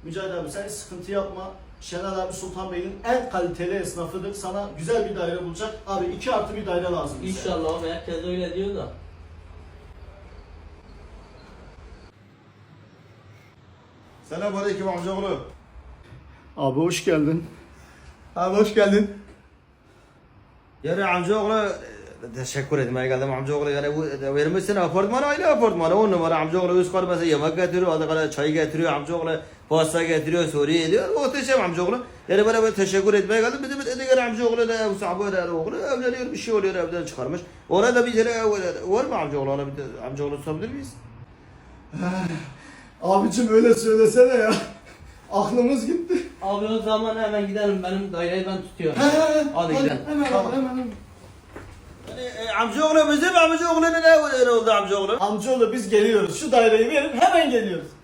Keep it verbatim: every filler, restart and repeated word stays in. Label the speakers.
Speaker 1: Mücahit abi sen hiç sıkıntı yapma. Şener abi Sultanbeyli'nin en kaliteli esnafıdır. Sana güzel bir daire bulacak. Abi iki artı bir daire lazım bize.
Speaker 2: İnşallah abi, herkes öyle diyor da.
Speaker 3: Selamünaleyküm amcaoğlu.
Speaker 1: Abi hoş geldin.
Speaker 3: Abi hoş geldin. Yani amcaoğlu teşekkür ederim. Geldim amcaoğlu yani bu vermişsin apartman aile apartmanı on numara amcaoğlu üst kat mesela yemek getiriyor, adı kadar çay getiriyor amcaoğlu, pasta getiriyor, Suriye ediyor. Muhteşem amcaoğlu. Yani bana böyle teşekkür etmeye geldim. Bir de bir diğer amcaoğlu da ev sahibi da oğlu evleniyor bir şey oluyor evden çıkarmış. Orada bir kere var mı amcaoğlu? Ona bir de amcaoğlu tutabilir miyiz?
Speaker 1: Abicim öyle söylesene ya. Aklımız gitti.
Speaker 2: Abi o zaman hemen gidelim, benim daireyi ben tutuyorum. Hadi gidelim.
Speaker 1: Hemen
Speaker 3: Tamam.
Speaker 1: hemen hemen.
Speaker 3: Yani, e, amcaoğlu bizim amcaoğlu ne ne oldu amcaoğlu?
Speaker 1: Amcaoğlu biz geliyoruz. Şu daireyi verin hemen geliyoruz.